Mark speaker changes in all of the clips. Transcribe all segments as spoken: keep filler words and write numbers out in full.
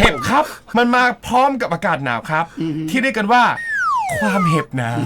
Speaker 1: เห็บครับมันมาพร้อมกับอากาศหนาวครับที่เรียกกันว่าความเห็บหนาว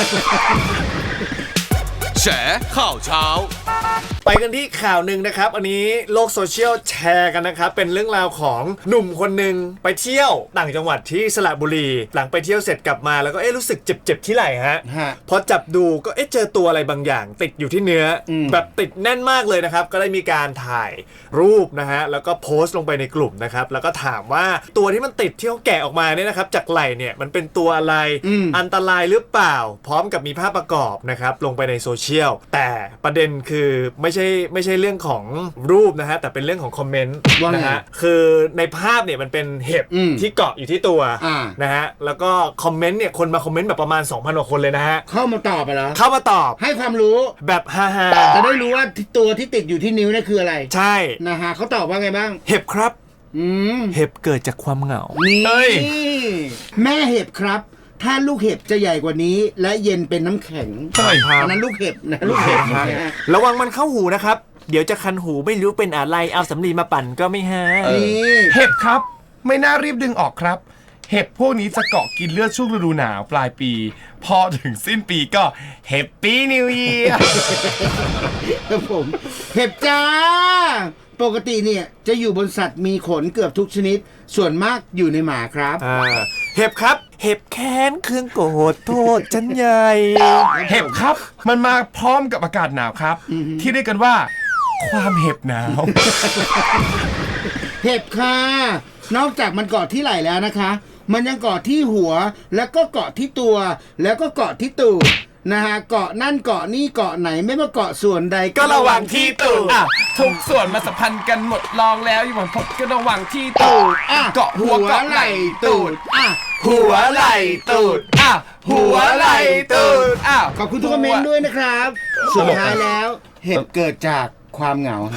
Speaker 2: แฉข่าวเช้า
Speaker 3: ไปกันที่ข่าวหนึ่งนะครับอันนี้โลกโซเชียลแชร์กันนะครับเป็นเรื่องราวของหนุ่มคนหนึ่งไปเที่ยวต่างจังหวัดที่สระบุรีหลังไปเที่ยวเสร็จกลับมาแล้วก็เอ๊ะรู้สึกเจ็บๆที่ไหล่ฮะพอจับดูก็เอ๊ะเจอตัวอะไรบางอย่างติดอยู่ที่เนื้อแบบติดแน่นมากเลยนะครับก็ได้มีการถ่ายรูปนะฮะแล้วก็โพสต์ลงไปในกลุ่มนะครับแล้วก็ถามว่าตัวที่มันติดที่เขาแกะออกมาเนี่ยนะครับจากไหล่เนี่ยมันเป็นตัวอะไรอันตรายหรือเปล่าพร้อมกับมีภาพประกอบนะครับลงไปในโซเชียลแต่ประเด็นคือไม่ใช่ไม่ใช่เรื่องของรูปนะฮะแต่เป็นเรื่องของคอมเมนต์นะฮะคือในภาพเนี่ยมันเป็นเห็บที่เกาะอยู่ที่ตัวนะฮะแล้วก็คอมเมนต์เนี่ยคนมาคอมเมนต์แบบประมาณ สองพัน กว่าคนเลยนะฮะ
Speaker 4: เข้ามาตอบไปแล้ว
Speaker 3: เข้ามาตอบ
Speaker 4: ให้ความรู้
Speaker 3: แบบฮ่า
Speaker 4: ๆจะได้รู้ว่าตัวที่ติดอยู่ที่นิ้วนี่คืออะไร
Speaker 3: ใช่
Speaker 4: นะฮะเขาตอบว่าไงบ้าง
Speaker 3: เห็บครับเห็บเกิดจากความเหงา
Speaker 4: นี่แม่เห็บครับถ้าลูกเห็บจะใหญ่กว่านี้และเย็นเป็นน้ำแข็ง
Speaker 3: ใช่ครับ
Speaker 4: อันนั้นลูกเห็บนะลูกเห็บ
Speaker 3: ระวังมันเข้าหูนะครับเดี๋ยวจะคันหูไม่รู้เป็นอะไรเอาสำลีมาปั่นก็ไม่หาย
Speaker 1: เห็บครับไม่น่ารีบดึงออกครับเห็บพวกนี้จะเกาะกินเลือดช่วงฤดูหนาวปลายปีพอถึงสิ้นปีก็แฮปปี้นิวเยียร์
Speaker 4: ครับผมเห็บจ้าปกติเนี่ยจะอยู่บนสัตว์มีขนเกือบทุกชนิดส่วนมากอยู่ในหมาครับ
Speaker 3: เห็บครับเห็บแค้นเครื่องโกรธโทษฉันใหญ่
Speaker 1: เห็บครับมันมาพร้อมกับอากาศหนาวครับที่เรียกกันว่าความเห็บหนาว
Speaker 4: เห็บค่ะนอกจากมันเกาะที่ไหล่แล้วนะคะมันยังเกาะที่หัวแล้วก็เกาะที่ตัวแล้วก็เกาะที่ตูดนะฮะเกาะนั่นเกาะนี่เกาะไหนไม่ว่าเกาะส่วนใด
Speaker 3: ก็ระวังที่ตูด
Speaker 1: อ่ะทุกส่วนมาสัมพันธ์กันหมดลองแล้วอยู่บนพบก็ระวังที่ตูด
Speaker 4: อ่ะ
Speaker 1: เกาะหัวเกาะไหล่ตูด
Speaker 4: อ่ะ
Speaker 3: หัวไหล่ตูด
Speaker 1: อ่ะหัวไหล่ตูดอ่ะ
Speaker 4: ขอบคุณทุกคอมเมนต์ด้วยนะครับสุดท้ายแล้วเห็บเกิดจากความเหงา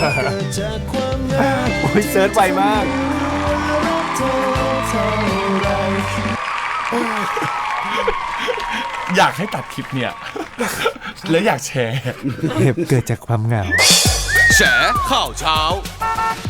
Speaker 3: โอ้ยเซิร์ชไวมาก
Speaker 1: อยากให้ตัดคลิปเนี่ยแล้วอยากแชร์
Speaker 3: เห็บเกิดจากความเหงา
Speaker 2: แฉข่าวเช้า